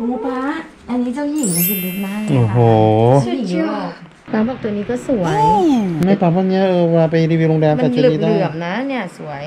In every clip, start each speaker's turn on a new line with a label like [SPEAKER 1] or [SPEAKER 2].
[SPEAKER 1] ป้าอันนี้เจ้าหญิงมันสุดฤทธิ์มากเลย
[SPEAKER 2] โอ้โห
[SPEAKER 1] เจ้าหญิงยุโรปป้าบอกตัวนี้ก็สวย
[SPEAKER 2] ไม่ปรับพวกนี้เวลาไปรีวิวโรงแรม
[SPEAKER 1] มั
[SPEAKER 2] แต่
[SPEAKER 1] น
[SPEAKER 2] ชุด
[SPEAKER 1] เห
[SPEAKER 2] นี้ได้
[SPEAKER 1] ลือบๆนะเนี่ยสวย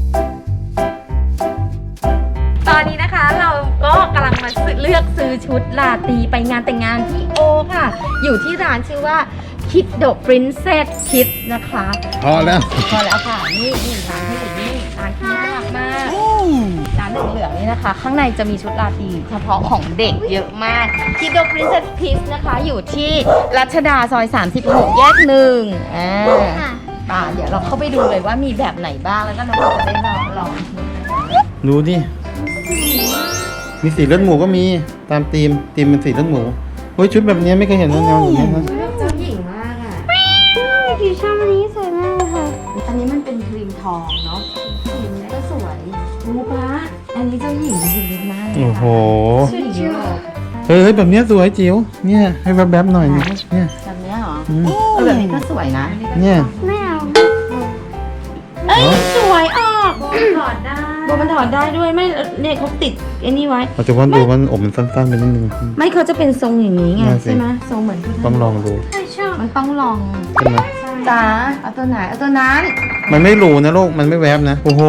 [SPEAKER 3] ตอนนี้นะคะเราก็กำลังมาเลือกซื้อชุดราตรีไปงานแต่งงานที่โอค่ะ อยู่ที่ร้านชื่อว่า Kiddo Princess Kids นะคะ
[SPEAKER 2] พอแล้ว
[SPEAKER 3] พอแล้วค่ะนี่ร้านที่อยู่นี่ร้านที่น่ารักมากร้านเหลืองๆนี่นะคะ ข้างในจะมีชุดราตรีเฉพาะของเด็กเยอะมาก Kiddo Princess Kids นะคะอยู่ที่รัชดาซอย 36 แยก1เดี๋ยวเราเข้าไปดูเลยว่ามีแบบไหนบ้างแล้วก็น้องๆจะได้ลอง
[SPEAKER 2] ดูดิ มีสีเลือดหมูก็มีตามธีมเป็นสีเลือดหมูเฮ้ยชุดแบบนี้ไม่เคยเห็นแนวอย่างนี้นะ
[SPEAKER 1] เจ้าหญิงมากอ่ะ
[SPEAKER 3] พี่ชอบอันนี้สวยมากเลยค่ะ
[SPEAKER 1] อันนี้มันเป็นครีมทองเนาะครีมนี้ก็สวยป้าอันนี้เจ้าหญิงมันสุดฤทธิ์มากเลย
[SPEAKER 2] โอ้โห
[SPEAKER 1] เจ้าหญิงยุโรป
[SPEAKER 2] เฮ้ยแบบนี้สวยจิ๋วเนี่ยให้แวบๆหน่อยเนี่ย
[SPEAKER 1] แบบนี้เหรอ
[SPEAKER 2] อืม
[SPEAKER 1] แบบนี้ก็สวยนะ
[SPEAKER 2] เนี่ย
[SPEAKER 3] ไม่เอา
[SPEAKER 1] เอ้ยสวยออก
[SPEAKER 3] ถอดได้
[SPEAKER 1] โบมันถอดได้ด้วยไม่เนี่ยเขาติดไอ้นี่ไว้
[SPEAKER 2] ปัจจุบันดูมันอกมันสั้นๆไปนิดนึง
[SPEAKER 1] ไม่เขาจะเป็นทรงอย่างนี้ไง
[SPEAKER 2] น่าสิ
[SPEAKER 1] ใช่ไหมทรงเหมือนที่
[SPEAKER 2] ต้องลองดู
[SPEAKER 3] ไม่ชอบ
[SPEAKER 1] มันต้องลอง
[SPEAKER 2] ใช่ไหม
[SPEAKER 1] จ้าเอาตัวไหนเอาตัวนั้น
[SPEAKER 2] มันไม่หรูนะลูกมันไม่แวบนะโอ้โห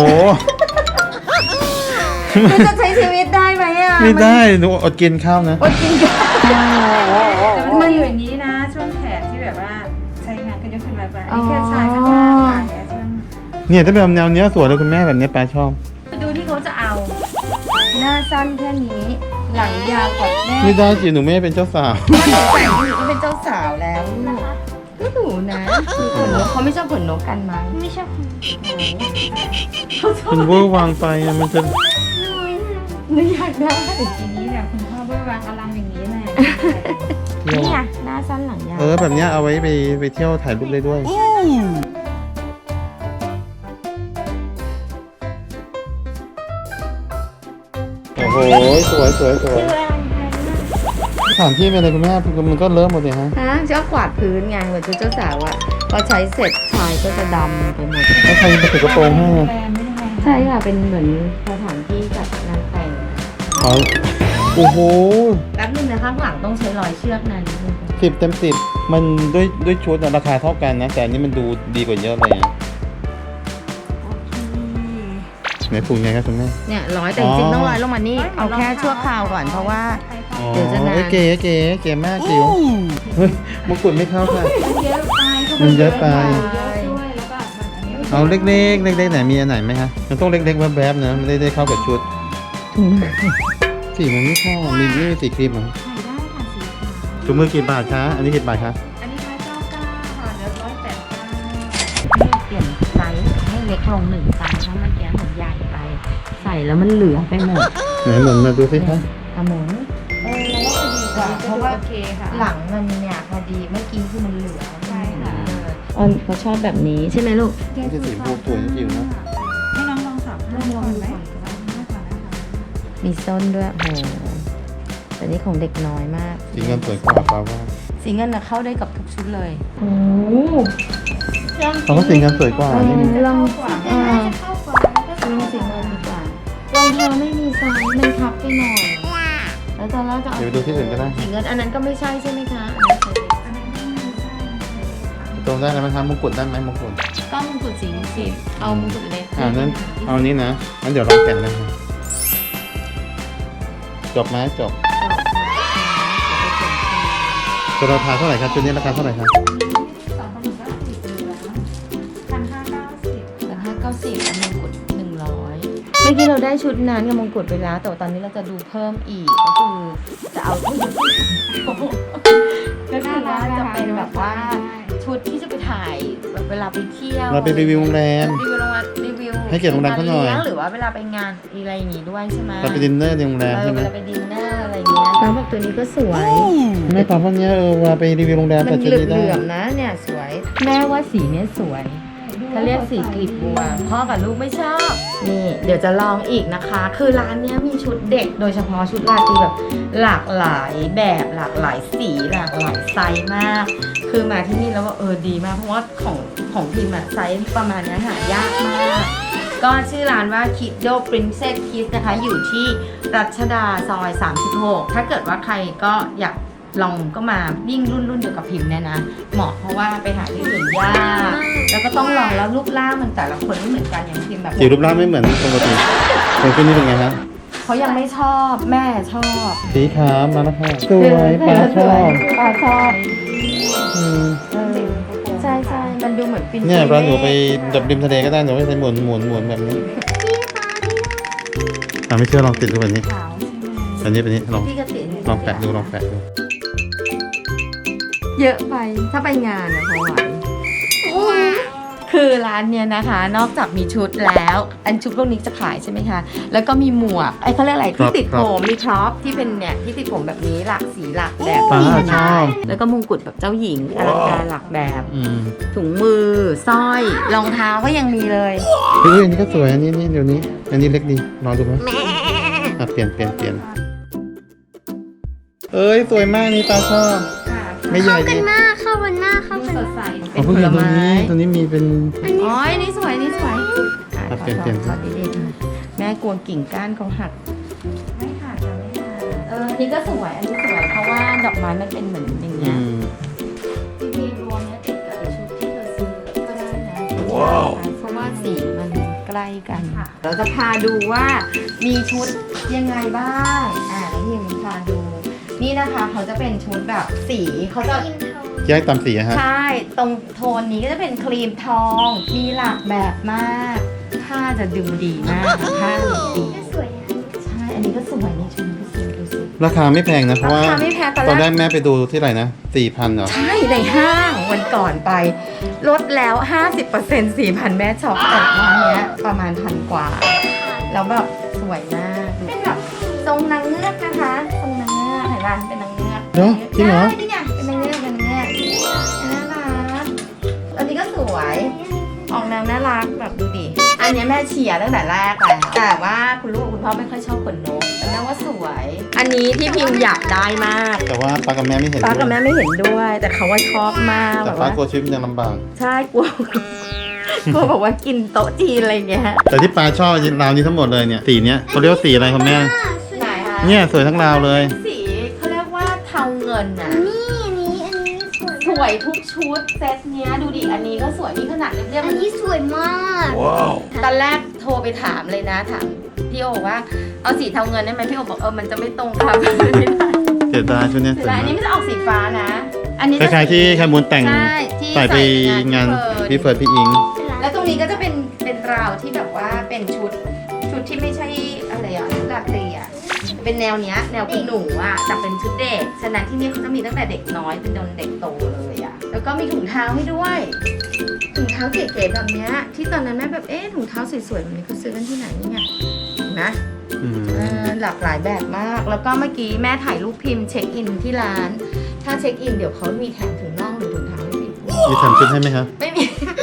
[SPEAKER 1] มันจะใช้ชีวิตได้ไหมอ่ะ
[SPEAKER 2] ไม่ได้หนูอดกินข้าวนะ
[SPEAKER 1] อดกินกัน
[SPEAKER 3] แต่มันอยู่อย่างนี้นะ ช่วงแขนที่แบบว่าใช้งานก็ยกขึ้นมาไปอันนี้แค่ชายข้างล่างค่ะแขนช่วง
[SPEAKER 2] เนี่ยถ้าแบบแนวเนี้ยสวยเลยคุณแม่แบบเนี้ยปลาชอบ
[SPEAKER 3] ดูที่เขาจะเอา
[SPEAKER 1] หน้าสั้นแค่นี้ หลังยาวกว่าแม่
[SPEAKER 2] ไม่ได้จิ๋วหนูไม่ได้เป็นเจ้าสาว
[SPEAKER 1] ใส่หนูก็เป็นเจ้าสาวแล้วลูกก็หนูนะมีขนนกเขาไม่ชอบขนนกกันมั้ง
[SPEAKER 3] ไม่ชอบ
[SPEAKER 2] มันเวอร์วางไปอะมันจะ
[SPEAKER 1] หนูอยากได้
[SPEAKER 3] ทีนี้แบบคุณพ่อเบื้องวางอลังอย่างนี้แหละ
[SPEAKER 2] เที่ยว
[SPEAKER 1] นี่ไงหน้าสั้นหลังยาว
[SPEAKER 2] แบบเนี้ยเอาไว้ไปเที่ยวถ่ายรูปได้ด้วยโอ้โหสวยสถานที่เป็นอะไรคุณแม่มันก็เริ่มหมดเลยฮะ
[SPEAKER 1] ฮะชอบกวาดพื้นไงเหมือนชุดเจ้าสาวอะพอใช้เสร็จชายก็จะดำไปหมด
[SPEAKER 2] แล้วใครไปถือกระโปรงให้
[SPEAKER 3] แฟนไม่ได้ไง
[SPEAKER 1] ใช่ค่ะเป็นเหมือนสถานที่จัดงานแต่ง
[SPEAKER 2] อ๋อโอ้โห
[SPEAKER 1] แป๊บนึงนะข้างหลังต้องใช้รอยเชือกนานนิดนึง
[SPEAKER 2] 10 เต็ม 10มันด้วยชุดอะราคาเท่ากันนะ แต่อันนี้มันดูดีกว่าเยอะเลยอะไหนถูกไงครับคุณแม่
[SPEAKER 1] เนี่ยร้อยแต่จริงๆต้องร้อยลงมานี่เอาแค่ชั่วคราวก่อนเพราะว่า เดี๋ยวจะนาน
[SPEAKER 2] เก๋เก๋มากจิ๋วเฮ้ยมงกุฎไม่เข้าค่ะ
[SPEAKER 3] เยอะไป
[SPEAKER 2] มันเยอะไป
[SPEAKER 3] ด้วยแล้วก็อันนี้
[SPEAKER 2] เอาเล็กไหนมีอันไหนไหมฮะมันต้องเล็กๆแวบๆนะไม่ได้เข้ากับชุดสีมันไม่เข้ามีนี่สีครีมเหรอ
[SPEAKER 3] ใส่ได้ค่ะสีขาว
[SPEAKER 2] ถุงมือกี่บาทคะอันนี้กี่บาทคะ
[SPEAKER 3] อันนี้ร้อย99ค่ะเหลือ189
[SPEAKER 1] ให้เปลี่ยนไซส์ให้เล็กลง1ไซส์เพราะเมื่อกี้หนูใหญ่ไป ใส่แล้วมันเหลือไปหมด
[SPEAKER 2] ไหนหมุนมาดูสิคะ
[SPEAKER 1] กระหมุนเราว่าพอดีกว่าเพราะว่า
[SPEAKER 3] โอเคค่ะ
[SPEAKER 1] หลังมันเนี่ยพอดีเมื่อกี้คือมันเหลือ
[SPEAKER 3] ใช่ค่ะ
[SPEAKER 1] เขาชอบแบบนี้ใช่ไหมลูก
[SPEAKER 2] นี่จะสีฟูสวยจริงๆนะ
[SPEAKER 3] ให้น้องลองสับเริ่มก่อนไหมก่อนนะคะ
[SPEAKER 1] มีส้นด้วยโหแต่นี่ของเด็กน้อยมาก
[SPEAKER 2] สีเงินสวยกว่าป้าว่า
[SPEAKER 1] สีเงินนะเข้าได้กับทุกชุดเลย
[SPEAKER 3] โอ้
[SPEAKER 2] เขาก็สีเงินสวยกว่านี่มัน
[SPEAKER 1] ลอง
[SPEAKER 3] กว่า
[SPEAKER 1] อ่า
[SPEAKER 3] เข้ากว่าแล้วก็
[SPEAKER 1] ลองสีเงินดีกว่ารองเท้าไม่มีไซส์มันทับไปหน่อย แล้วตอนแรกจะเอา
[SPEAKER 2] เดี๋ยวไปดูที่อื่นก็ได้
[SPEAKER 1] สีเงินอันนั้นก็ไม่ใช่ใช่ไหมคะ
[SPEAKER 2] ตรงได้ไหมครับมงกุฎได้ไหมมงกุฎ
[SPEAKER 1] ก็มงกุฎสีเอามงกุฎเล็ก
[SPEAKER 2] นั้นเอานี้นะงั้นเดี๋ยวลองแกะนะครับจบไหมจบตัวราคาเท่าไหร่ครับชุดนี้ราคาเท่าไหร่ครับ
[SPEAKER 3] 1,590
[SPEAKER 1] 590มงกุฎ100เมื่อกี้เราได้ชุดนั้นกับมงกุฎไปแล้ว แต่ว่าตอนนี้เราจะดูเพิ่มอีกก็คือจะเอาชุดก็คือว่าจะเป็นแบบว่าชุดที่จะไปถ่ายแบบเวลาไปเที่ยว
[SPEAKER 2] เราไปรีวิวโรงแรม
[SPEAKER 1] รีวิว
[SPEAKER 2] ให้เกียรติโรงแรมเขาหน่อย
[SPEAKER 1] งหรือว่าเวลาไปงานอะไรอย่างงี้ด้วยใช่ไหม
[SPEAKER 2] เราไปดินเนอร์ในโรงแรมใช่ไหม
[SPEAKER 1] เวลาไปดินเนอร์อะไรอย่างเงี้ยน้องบอกตัวนี้ก็สวย
[SPEAKER 2] ไม่ปรับพวกนี้เวลาไปรีวิวโรงแรม
[SPEAKER 1] มั
[SPEAKER 2] แต่
[SPEAKER 1] น
[SPEAKER 2] ชุด
[SPEAKER 1] เห
[SPEAKER 2] นี้ได้
[SPEAKER 1] ลือมๆนะเนี่ยสวย แม่ว่าสีเนี้ยสวย
[SPEAKER 3] ดูเขาเรียกสีกลีบบัวพ่อกับลูกไม่ชอบนี่เดี๋ยวจะลองอีกนะคะ คือร้านเนี้ยมีชุดเด็กโดยเฉพาะชุดราตรีแบบหลากหลายแบบหลากหลายสีหลากหลายไซส์มาก คือมาที่นี่แล้วว่าดีมากเพราะว่าของพิมพ์อะไซส์ประมาณนี้หายากมาก ก็ชื่อร้านว่า Kiddo Princess Kids นะคะอยู่ที่รัชดาซอย 36 ถ้าเกิดว่าใครก็อยากลองก็มายิ่งรุ่นเดียวกับพิมพ์เนี่ยนะเหมาะเพราะว่าไปหาที่อื่นยากแล้วก็ต้องลองแล้วรูปร่างมันแต่ละคนไม่เหมือนกันอย่างพิมพ์แบบ
[SPEAKER 2] จิ๋วรูปร่างไม่เหมือนปกติคนขึ้นนี่เป็นไงฮะ
[SPEAKER 3] เขายังไม่ชอบแม่ชอบ
[SPEAKER 2] สีขาวมาแล้วค่ะสวยปลาชอบ
[SPEAKER 3] ปลาชอบ
[SPEAKER 2] อืม
[SPEAKER 3] ใช่มันดูเหมือนปิน
[SPEAKER 2] เนี่ยเราหนูไปดับริมทะเลก็ได้หนูไม่ใช่หมุนแบบนี้ไม่เชื่อลองติดดูแบบนี้
[SPEAKER 3] ขาวใช่ไหม
[SPEAKER 2] อันนี้เป็นนี้ลอง
[SPEAKER 3] พี่กติ
[SPEAKER 2] ลองแปะดู
[SPEAKER 3] เยอะไปถ้าไปงานนะพอไหวคือร้านเนี้ยนะคะ นอกจากมีชุดแล้ว อันชุดพวกนี้จะขายใช่ไหมคะ แล้วก็มีหมวกเขาเรียกอะไรที่ติดผมมีครอปที่เป็นเนี่ยที่ติดผมแบบนี้หลากสีหลากแบบ
[SPEAKER 2] ป้าชอบ
[SPEAKER 3] แล้วก็มงกุฎแบบเจ้าหญิงอลังการหลากแบบ
[SPEAKER 2] อืม
[SPEAKER 3] ถุงมือสร้อยรองเท้าก็ยังมีเลย
[SPEAKER 2] เฮ้ยอันนี้ก็สวยอันนี้เดี๋ยวนี้ อันนี้เล็กดีลองดูไหมเปลี่ยนเอ้ยสวยมากนี่ตาชอบไม่ใหญ่
[SPEAKER 4] เข้ากัน
[SPEAKER 2] ดิ
[SPEAKER 4] มากเข้ากันมากเข้ากัน
[SPEAKER 3] ส
[SPEAKER 4] มา
[SPEAKER 3] ด
[SPEAKER 4] ก
[SPEAKER 3] ใส
[SPEAKER 2] อ๋อเพิ่งเห็นตัวนี้มีเป็น
[SPEAKER 3] อ๋อนี่สวยนี่สวย
[SPEAKER 2] ครับเปลี่ยน
[SPEAKER 3] ขอดีๆค่ะแม่กลัวกิ่งก้านเขาหักไม่หักค่ะไม่หักอันนี้ก็สวยอันนี้สวยเพราะว่าดอกไม้มันเป็นเหมือนอย่างเงี้ยจริงๆรวมเนี้ยติดกับไอ้ชุดที่เธอซื้อก็ได้นะเพราะว่าสีมันใกล้กันเราจะพาดูว่ามีชุดยังไงบ้างแล้วพี่มีพาดูนี่นะคะเขาจะเป็นชุดแบบสีเขาจะ
[SPEAKER 2] แยกตามสีอะฮะ
[SPEAKER 3] ใช่ ตรงโทนนี้ก็จะเป็นครีมทอง มีหลากแบบมากผ้าจะดูดีมากผ้าดี
[SPEAKER 4] สวยนะ
[SPEAKER 3] ใช่ อันนี้ก็สวยนี่ชุดนี้ก็สวยดูสิ
[SPEAKER 2] ราคาไม่แพงนะเพราะว่า
[SPEAKER 3] ราคาไม่แพง
[SPEAKER 2] ตอนแรกแม่ไปดูที่ไหนนะ 4,000เหรอ
[SPEAKER 3] ใช่ในห้างวันก่อนไปลดแล้ว 50% 4,000 แม่ช็อปแต่ร้านเนี้ยประมาณพันกว่า แล้วแบบสวยมากเป็นแบบทรงนางเงือกนะคะทรงนางเงือกเห็นร้านเป็นนางเงือก
[SPEAKER 2] เดี๋ยวจริงเหรอ
[SPEAKER 3] ใช่นี่ไงเป็นนางเงือกเป็นนางเงือกน่ารักอันนี้ก็สวย ออกแนวน่ารักแบบดูดิ อันเนี้ยแม่เชียร์ตั้งแต่แรกแล้วแต่ว่าคุณลูกกับคุณพ่อไม่ค่อยชอบขนนกแต่แม่ว่าสวย อันนี้ที่พิมพ์อยากได้มาก
[SPEAKER 2] แต่ว่าป้ากับแม่ไม่เห็น
[SPEAKER 3] ป้ากับ
[SPEAKER 2] ด้วย
[SPEAKER 3] แม่ไม่เห็นด้วย แต่เขาว่าชอบมาก
[SPEAKER 2] แต่
[SPEAKER 3] แบบ
[SPEAKER 2] ป้า
[SPEAKER 3] ว่า
[SPEAKER 2] กลัวชีวิตมันยังลำบาก
[SPEAKER 3] ใช่กลัว กลัวบอกว่ากินโต๊ะจีนอะไรอย่างเงี้ย
[SPEAKER 2] แต่ที่ป้าชอบราวนี้ทั้งหมดเลยเนี่ยสีเนี้ยเขาเรียกว่าสีอะไรครับแม่
[SPEAKER 3] ไหนคะ
[SPEAKER 2] เนี่ยสวยทั้งราวเลย
[SPEAKER 3] สีเขาเรียกว่าเทาเงินน่ะ
[SPEAKER 4] นี่อันนี้สวย
[SPEAKER 3] สวยทุกชุดเซตเนี้ยดูดิอันนี้ก็สวยนี่ขนาดเรียบ
[SPEAKER 4] อันนี้สวยมาก
[SPEAKER 3] ตอนแรกโทรไปถามเลยนะถามพี่โอว่าเอาสีเทาเงินได้ไหมพี่โอบอกมันจะไม่ตรงครับ ไม่ได้
[SPEAKER 2] เสียดายชุดเนี้ยส
[SPEAKER 3] เสร็
[SPEAKER 2] ว
[SPEAKER 3] จ
[SPEAKER 2] ย
[SPEAKER 3] แล้วอันนี้
[SPEAKER 2] มาก
[SPEAKER 3] มันจะออกสีฟ้านะ อันนี้
[SPEAKER 2] คล้ายๆที่แคมูลแต่ง
[SPEAKER 3] ใช่ที่
[SPEAKER 2] ใส่ไปงานพี่เฟิร์สพี่อิง
[SPEAKER 3] แล้วตรงนี้ก็จะเป็นราวที่แบบว่าเป็นชุดที่ไม่ใช่อะไรอ่ะชุดราตรีอ่ะเป็นแนวเนี้ยแนวคุณหนูอ่ะแต่เป็นชุดเด็กฉะนั้นที่นี่เขาจะมีตั้งแต่เด็กน้อยเป็นจนเด็กโตเลยอ่ะแล้วก็มีถุงเท้าให้ด้วยถุงเท้าเก๋ๆแบบเนี้ยที่ตอนนั้นแม่แบบถุงเท้าสวยๆแบบนี้เขาซื้อกันที่ไหนเนี่ยเห็นไหม หลากหลายแบบมาก แล้วก็เมื่อกี้แม่ถ่ายรูปพิมพ์เช็คอินที่ร้าน ถ้าเช็คอินเดี๋ยวเขามีแถมถุงน่องหรือถุงเท้าให้พิมพ์ด้วย
[SPEAKER 2] มีแถมชุดให้ไหมครับ
[SPEAKER 3] ไม่มี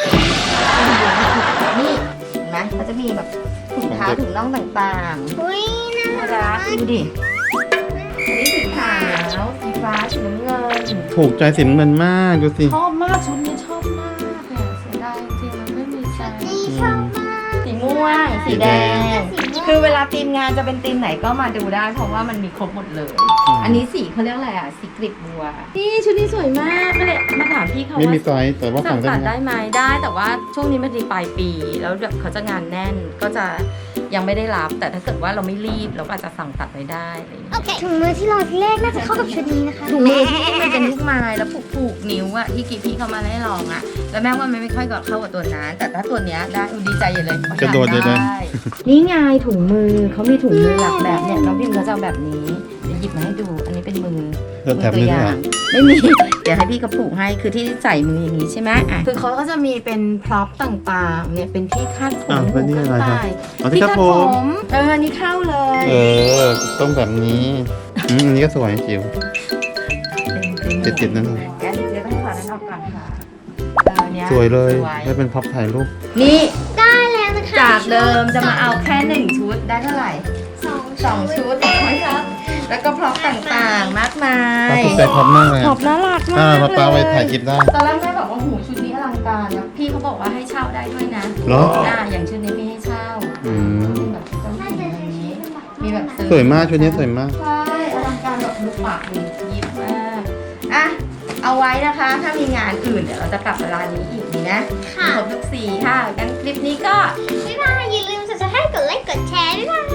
[SPEAKER 3] นี่เห็นไหมเขาจะมีแบบถุงเท้าถุงน่องต่าง
[SPEAKER 4] อุ้ยน่า
[SPEAKER 3] ๆน่ารักดูดิ อันนี้สีขาวสีฟ้าสีน้ำเงิน
[SPEAKER 2] ถูกใจสีน้ำเงินมากดูสิ
[SPEAKER 3] ชอบมากชุดนี้ชอบมากเนี่ยเสียดายจริงๆมันไม่มีไซส์
[SPEAKER 4] นี่ชอบมาก
[SPEAKER 3] สีม่วง สีแดง คือเวลาทีมงานจะเป็นทีมไหนก็มาดูได้เพราะว่ามันมีครบหมดเลย อันนี้สีเขาเรียกอะไรอ่ะ สีกลีบบัว นี่ชุดนี้สวยมากก็เลยมาถามพี่เขา
[SPEAKER 2] ไม่
[SPEAKER 3] ว่า
[SPEAKER 2] มีไซส์แต่ว่า
[SPEAKER 3] สั่
[SPEAKER 2] สั่
[SPEAKER 3] ง
[SPEAKER 2] งได้
[SPEAKER 3] ตัด
[SPEAKER 2] ไหม
[SPEAKER 3] ได้ไหมได้แต่ว่าช่วงนี้มันเป็นปลายปี แล้วแบบเขาจะงานแน่นก็จะยังไม่ได้รับ แต่ถ้าเกิดว่าเราไม่รีบเราก็อาจจะสั่งตัดไว้ได้อะไรอย่างเงี้ย
[SPEAKER 4] ถุงมือที่ลองที่แรกน่าจะเข้ากับชุดนี้นะคะ
[SPEAKER 3] ถุงมือที่มันเป็นลูกไม้แล้วผูกนิ้วอะที่กีพี่เขามาให้ลองอะแล้วแม่ว่ามันไม่ค่อยเข้ากับตัวนั้นแต่ถ้าตัวเนี้ยได้ดีใจใหญ่เลย
[SPEAKER 2] กระโดดเลยนะ
[SPEAKER 3] นี่ไงถุงมือเขามีถุงมือหลักแบบเนี่ยน้องพิมเขาจะเอาแบบนี้เดี๋ยวหยิบมาให้ดูอันนี้เป็นมือ
[SPEAKER 2] แถมนึงเหรอ
[SPEAKER 3] ไม่มี เดี๋ยวให้พี่เขาผูกให้คือที่ใส่มืออย่างนี้ใช่ไหมอ่ะคือเขาก็จะมีเป็นพร็อพต่างๆเนี่ยเป็นที่คาดผม
[SPEAKER 2] อ้าวแล้วนี่อะไรครับ
[SPEAKER 3] หู
[SPEAKER 2] อ๋อที่คาดผม
[SPEAKER 3] อันนี้เข้าเลย
[SPEAKER 2] ต้องแบบนี้อันนี้ก็สวยจิ๋ว ติดๆนั่น
[SPEAKER 3] แกเดี๋ยวต้องถอดนั้นออกก่อนค่ะนี้ย
[SPEAKER 2] สวยเลย
[SPEAKER 3] สวย
[SPEAKER 2] ได้เป็นพ็อปถ่ายรูป
[SPEAKER 3] นี่
[SPEAKER 4] ได้แล้วนะคะ
[SPEAKER 3] จากเดิมจะมาเอาแค่1ชุดได้เท่าไหร่
[SPEAKER 4] สอง
[SPEAKER 3] 2 ชุดนะครับแล้วก็พร็อพต่างๆมากมา
[SPEAKER 2] ป้าย ถูกใจพ็อปมากเลย
[SPEAKER 3] ขอบน่ารักมาก
[SPEAKER 2] ป้าไป
[SPEAKER 3] เลย
[SPEAKER 2] ถ่ายคลิปได้
[SPEAKER 3] ตอนแรกแม่บอกว่าหูชุดนี้อลังการนะพี่เขาบอกว่าให้เช่าได้ด้วยนะ
[SPEAKER 2] เหรอ
[SPEAKER 3] อย่างชุดนี้ไม่ให้เช่า
[SPEAKER 2] อืม
[SPEAKER 3] แบบเจ้าหญิงอะไรอย่างนี้มีแบบซื้อ
[SPEAKER 2] สวยมากชุดนี้สวยมาก
[SPEAKER 3] ใช่อลังการแบบลูกปากดูยิบมากอ่ะเอาไว้นะคะ ถ้ามีงานอื่นเดี๋ยวเราจะกลับมาร้านนี้อีกดีนะ
[SPEAKER 4] ค่ะ
[SPEAKER 3] ครบทุกสีค่ะงั้นคลิปนี้ก็
[SPEAKER 4] บ๊ายบายอย่าลืม subscribe กดไลค์กดแชร์ด้วยนะ